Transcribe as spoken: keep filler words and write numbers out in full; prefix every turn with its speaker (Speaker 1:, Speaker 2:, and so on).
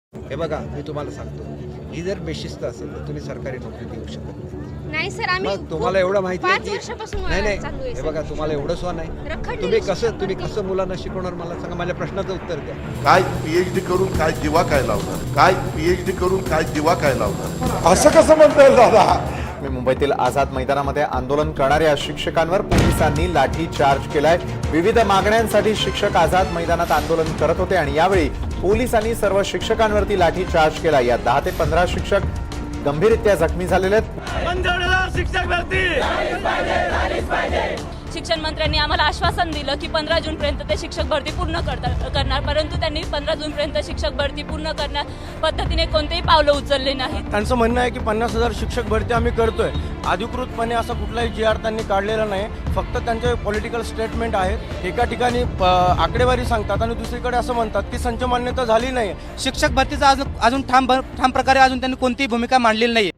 Speaker 1: हे बघा, मी तुम्हाला सांगतो, ही जर बेशिस्त असेल तर तुम्ही सरकारी नोकरी देऊ शकत नाही.
Speaker 2: नाही सर, आम्ही
Speaker 1: मग तुम्हाला एवढं माहिती आहे
Speaker 2: पाच वर्षापासून
Speaker 1: की नाही
Speaker 2: मला चालू
Speaker 1: नाही
Speaker 2: आहे
Speaker 1: हे
Speaker 2: सर.
Speaker 1: बघा, तुम्हाला एवढं स्व नाही.
Speaker 2: रखडलेली
Speaker 1: तुम्ही कसं
Speaker 2: शिक्षक
Speaker 1: तुम्ही
Speaker 2: भरती.
Speaker 1: कसं मुलांना शिकवणार मला सांगा. माझ्या प्रश्नाचं उत्तर द्या.
Speaker 3: काय पीएचडी करून काय दिवा काय लावणार, काय पीएचडी करून काय दिवा काय लावणार,
Speaker 4: असं कसं म्हणता येईल दादा?
Speaker 5: मी मुंबईतील आझाद मैदानामध्ये आंदोलन करणाऱ्या शिक्षकांवर पोलिसांनी लाठी चार्ज केलाय. विविध मागण्यांसाठी शिक्षक आझाद मैदानात आंदोलन करत होते आणि यावेळी पोलिसांनी सर्व शिक्षकांवरती लाठी चार्ज केला. या दहा ते पंधरा शिक्षक गंभीररित्या जखमी झालेले आहेत.
Speaker 6: शिक्षण मंत्र्यांनी आम्हाला आश्वासन दिलं की पंधरा जून पर्यंत ते शिक्षक भरती पूर्ण करतात करणार परंतु त्यांनी पंधरा जून पर्यंत शिक्षक भरती पूर्ण करण्या पद्धतीने कोणतेही पावलं उचलले नाहीत.
Speaker 7: त्यांचं म्हणणं आहे की पन्नास हजार शिक्षक भरती आम्ही करतोय. अधिकृतपणे असा कुठलाही जी आर त्यांनी काढलेला नाही. फक्त त्यांचे पॉलिटिकल स्टेटमेंट आहेत. एका ठिकाणी आकडेवारी सांगतात आणि दुसरीकडे असं म्हणतात की संच मान्यता झाली नाही.
Speaker 8: शिक्षक भरतीचा अजून अजून ठाम ठाम प्रकारे अजून त्यांनी कोणतीही भूमिका मांडलेली नाही.